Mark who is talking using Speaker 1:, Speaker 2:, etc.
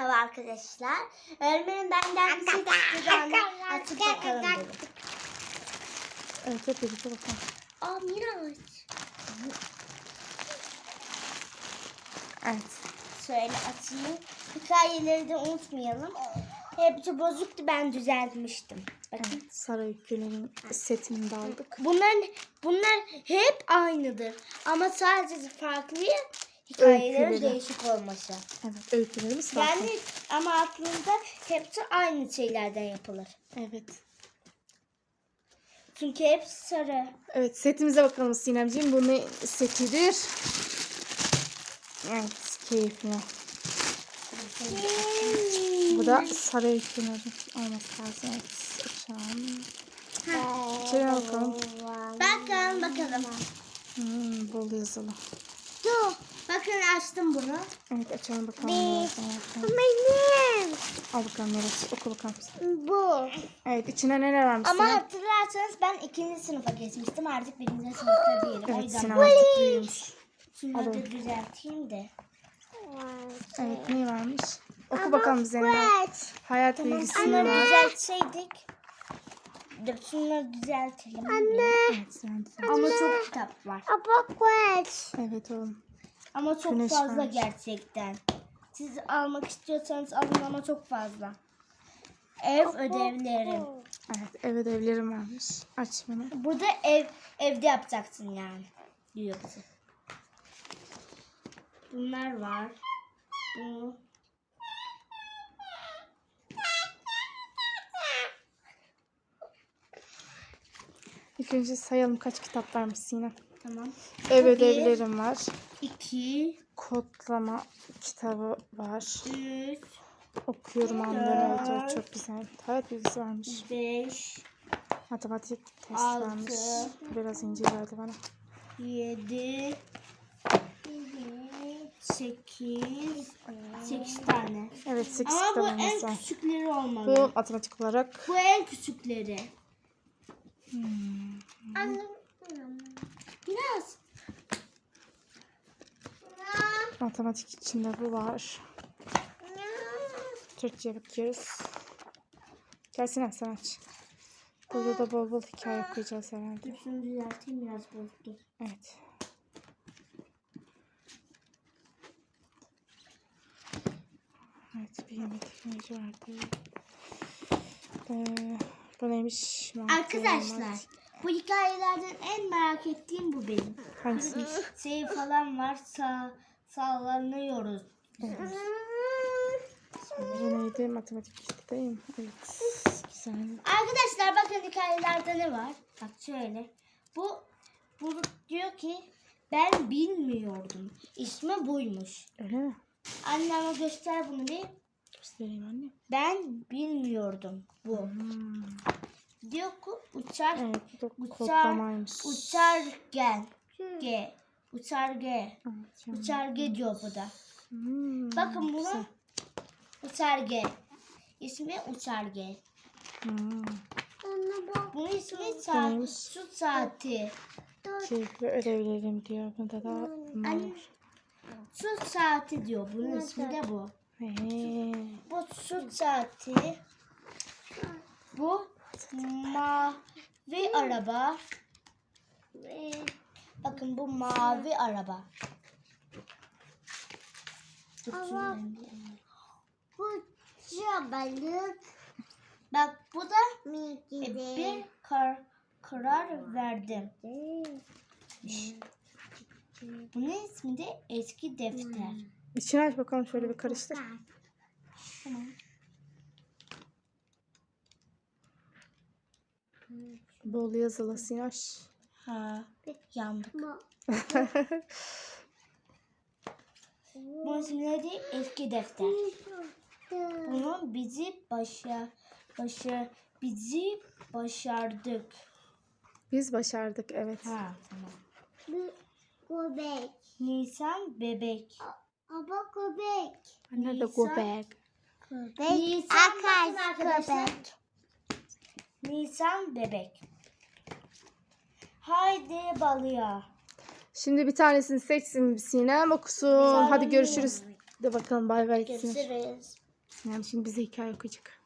Speaker 1: Merhaba arkadaşlar. Öğretmenim benden bir şey istedi, onu açıp bakalım dedim.
Speaker 2: Evet, hep birlikte bakalım.
Speaker 1: Aa, Miraç.
Speaker 2: Evet.
Speaker 1: Şöyle açayım. Hikayeleri de unutmayalım. Hepsi bozuktu, ben düzeltmiştim. Bakın.
Speaker 2: Evet, Saray Öyküler'in setini de aldık.
Speaker 1: Bunlar hep aynıdır. Ama sadece farklı hikayelerin
Speaker 2: Öyküleri.
Speaker 1: değişik olması.
Speaker 2: Evet, öykülerimiz farklı.
Speaker 1: Yani ama aslında hepsi aynı şeylerden yapılır.
Speaker 2: Evet.
Speaker 1: Çünkü hepsi sarı.
Speaker 2: Evet, setimize bakalım Sinemciğim. Bu ne setidir? Evet, keyifli. Bu da Saray Öyküler'in olması lazım. Evet, açalım. İçeri bakalım.
Speaker 1: Bakalım.
Speaker 2: Bol yazılı.
Speaker 1: Dur. Bakın, açtım bunu.
Speaker 2: Evet, açalım bakalım.
Speaker 1: Benim.
Speaker 2: Al bakalım Miraç, oku bakalım.
Speaker 1: Bu.
Speaker 2: Evet, içine neler varmış
Speaker 1: Ama
Speaker 2: Sinem?
Speaker 1: hatırlarsanız ben 2. sınıfa geçmiştim. Artık 1. sınıfta değilim. O
Speaker 2: Evet,
Speaker 1: yüzden
Speaker 2: Sinem artık büyümüş.
Speaker 1: şunları da düzelteyim de.
Speaker 2: Evet, ne varmış? Oku bakalım Zeynep. Hayat bilgisi
Speaker 1: Şunları
Speaker 2: var.
Speaker 1: düzeltseydik. Dur, şunları düzeltelim.
Speaker 2: Evet, Zeynep.
Speaker 1: Ama çok kitap var.
Speaker 2: Evet oğlum.
Speaker 1: Ama çok
Speaker 2: Güneş
Speaker 1: fazla
Speaker 2: varmış.
Speaker 1: gerçekten. Siz almak istiyorsanız alın ama çok fazla. Ev ödevleri.
Speaker 2: Evet, ev ödevlerim varmış. Aç bunu.
Speaker 1: Burada evde yapacaksın yani. Diyorsun. Bunlar var. Bu.
Speaker 2: İlk önce sayalım kaç kitap varmış Sinem.
Speaker 1: Tamam.
Speaker 2: Ev
Speaker 1: Bu
Speaker 2: ödevlerim var.
Speaker 1: 2,
Speaker 2: Kodlama kitabı var.
Speaker 1: 3,
Speaker 2: Okuyorum anlıyorum. Evet, çok güzel. Hayat bilgisi varmış.
Speaker 1: 5,
Speaker 2: Matematik test
Speaker 1: 6,
Speaker 2: varmış. Biraz ince geldi bana.
Speaker 1: 7, 8 tane.
Speaker 2: Evet, 8
Speaker 1: Ama bu
Speaker 2: kitabımız
Speaker 1: en
Speaker 2: var.
Speaker 1: küçükleri
Speaker 2: Bu
Speaker 1: olmalı.
Speaker 2: matematik olarak.
Speaker 1: Bu en küçükleri. Anne. Biraz.
Speaker 2: Matematik içinde bu var. Türkçe'ye bakıyoruz. Gelsene sen aç. Burada da bol bol hikaye okuyacağız herhalde.
Speaker 1: Şunu düzelteyim, biraz bozdu.
Speaker 2: Evet. Evet, bir yemek teknoloji vardı. Bu neymiş?
Speaker 1: Arkadaşlar, bu hikayelerden en merak ettiğim bu benim.
Speaker 2: Hangisiymiş?
Speaker 1: Şey falan var, sallanıyoruz.
Speaker 2: Bu neydi? Matematik kitaptayım. Evet. Güzel.
Speaker 1: Arkadaşlar bakın, hikayelerde ne var? Bak şöyle. Bu diyor ki ben bilmiyordum. İsmi buymuş.
Speaker 2: Öyle mi?
Speaker 1: Anneme göster bunu bir.
Speaker 2: Göstereyim anne.
Speaker 1: Ben bilmiyordum bu. Diyor ki uçar.
Speaker 2: Evet, bu da
Speaker 1: Uçar.
Speaker 2: kodlamaymış.
Speaker 1: Uçargen. Uçarge.
Speaker 2: Evet, yani.
Speaker 1: Uçarge diyor bu da. Bakın
Speaker 2: Güzel.
Speaker 1: buna uçarge. İsmi uçarge. Bunun ismi saat. Su saati.
Speaker 2: Keyifli ödevlerim diyor. Bunda da bunlar
Speaker 1: Anne,
Speaker 2: var.
Speaker 1: su saati diyor. Bunun ismi de bu. Bu su saati. Bu mavi araba. Bakın bu mavi araba.
Speaker 3: Ama bu balık
Speaker 1: Bak bu da
Speaker 3: mi
Speaker 1: bir karar verdim. Bunun ismi de eski defter.
Speaker 2: İçini aç bakalım, şöyle bir karıştır.
Speaker 1: Tamam.
Speaker 2: Bol yazılı Sinaş.
Speaker 1: Ha, yandık. Bunun ismi de eski defter. Bunu bizi başardık.
Speaker 2: Biz başardık, evet.
Speaker 1: Ha, tamam.
Speaker 3: Göbek.
Speaker 1: Nisan bebek.
Speaker 3: Ama göbek.
Speaker 2: Nerede
Speaker 1: Nisan.
Speaker 2: göbek?
Speaker 1: Nisan, bakın arkadaşlar.
Speaker 3: Göbek.
Speaker 1: Nisan bebek. Haydi balığa.
Speaker 2: Şimdi bir tanesini seçsin Sinem, okusun. Hadi görüşürüz. De bakalım, bay bay.
Speaker 1: Görüşürüz.
Speaker 2: Yani şimdi bize hikaye okuyacak.